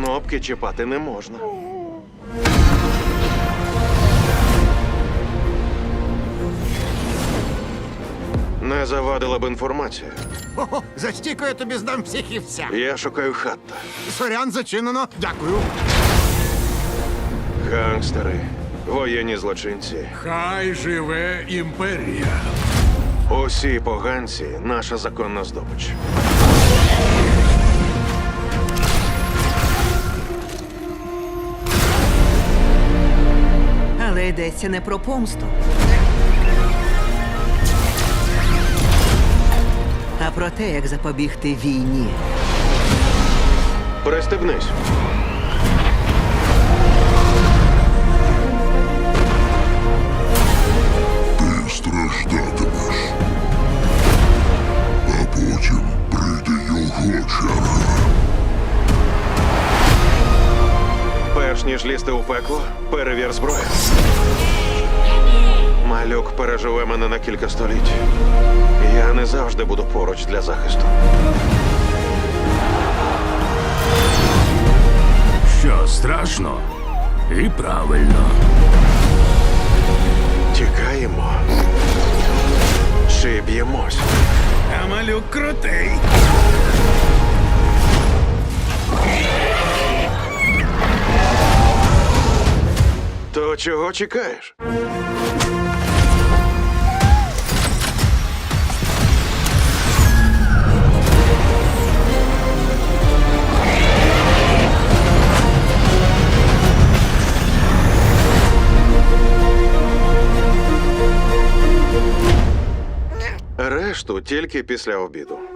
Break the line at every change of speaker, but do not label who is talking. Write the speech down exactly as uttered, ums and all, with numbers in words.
Кнопки чіпати не можна. Не завадила б інформація.
Хо-хо, за стійку я тобі здам психівця.
Я шукаю Хатта.
Сорян, зачинено. Дякую.
Гангстери, воєнні злочинці.
Хай живе імперія.
Усі поганці – наша законна здобич.
Але йдеться не про помсту, а про те, як запобігти війні.
Пристебнись.
Ти страждатимеш. А потім прийде його черга.
Перш ніж лізти у пекло, перевір зброю. Малюк переживе мене на кілька століть. Я не завжди буду поруч для захисту.
Що страшно? І правильно.
Тікаємо. Чи б'ємось?
А малюк крутий.
То чого чекаєш? Решту тільки після обіду.